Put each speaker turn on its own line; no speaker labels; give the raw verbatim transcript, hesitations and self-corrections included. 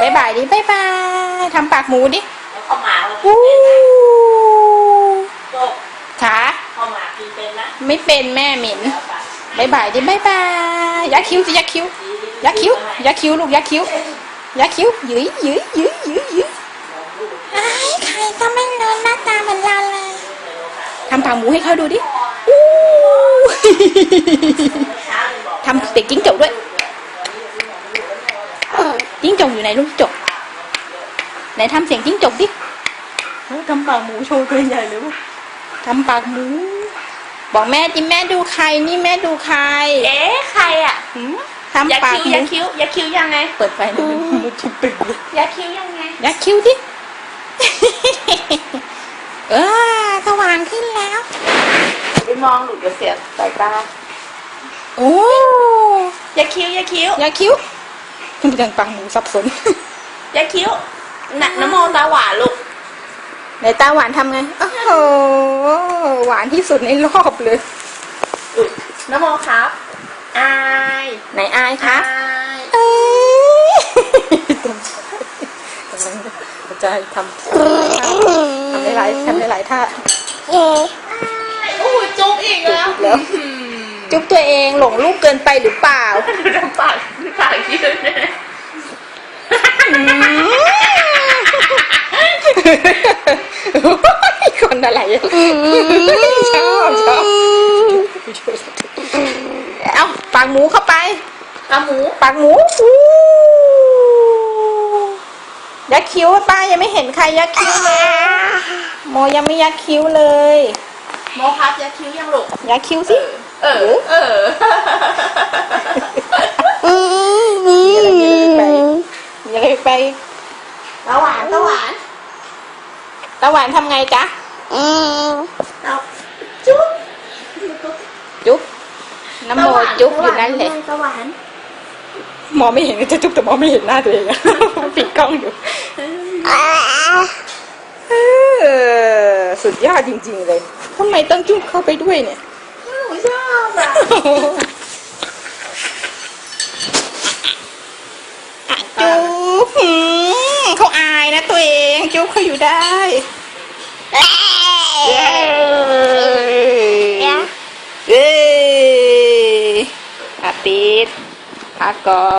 ายบายดิบายบายทำปากหมูดิ
ข้าวหมา
อู้
จบ
ขา
ข้าวหมากินเป็นนะ
ไม่เป็นแม่เหม็นบายบายดิบายบายยักคิ้วสิยักคิ้วยักคิ้วยักคิ้วลูกยักคิ้วยักคิ้วยื้อยื้อยื้อยื้อยื้อไอ้ใครก็ไม่นอนหน้าตาเหมือนเราเลยทำปากหมูให้เขาดูดิอู้ทำเด็กจิ้งจกด้วยจิ้งจกอยู่ไหนลูกจกไหนทำเสียงจิ้งจกดิทำปากหมูโชว์ตัวใหญ่เลยทำปากหมูบอกแม่จิแม่ดูใครนี่แม่ดูใคร
เอ๊ะใครอ่ะ
ทำปากหมู
ยักคิ้วยักคิ้วยังไง
เปิดไฟหน่อยมันชิบตึก
ยักคิ้วยังไง
ยักคิ้วดิเออสว่างขึ้นแล้ว
ไปมองหลุดจะเสียสายตา
โอ้
ยักคิ้วยักคิ้ว
ยักคิ้วมันยังปากหมูสับสน
ยักคิ้วหนักน้ำมนตาหวานลูก
ไหนตาหวานทำไงโอ้โหหวานที่สุดในรอบเลย
น้ำมนครับอาย
ไหนอายคะ
อาย
เอ้ยกำลังจะทำทำหลายๆทำหลายๆท่า
โอ้ยจุ๊บอีกแล้ว
แล้วจุ๊บตัวเองหลงลูกเกินไปหรือเปล่า
ดูทำปากปากยืดเลย
คนอะไรชอบชอบเอาปากหมูเข้าไป
ปากหมู
ปากหมูยักคิ้วป้ายังไม่เห็นใครยักคิ้วเลยโมยังไม่ยักคิ้วเลย
โมครับยักคิ้วยังลูก
ยักคิ้วสิ
เออเออ
ไปยังไงไป
ตาหวานตาหวาน
ตาหวานทำไงจ๊ะ
จุ๊บ
จุ๊บน้ำโมจุ๊บอยู่นั่นแหละ
ตาหวาน
มองไม่เห็นจะจุ๊บแต่มองไม่เห็นหน้าตัวเองปิดกล้องอยู่สุดยอดจริงๆเลยทำไมต้องจุ๊บเข้าไปด้วยเนี่ย
หนูชอบอ่ะ
จุ๊บเขาอายนะตัวเองจุ๊บเขาอยู่ได้เย้อาปิดพักก่อน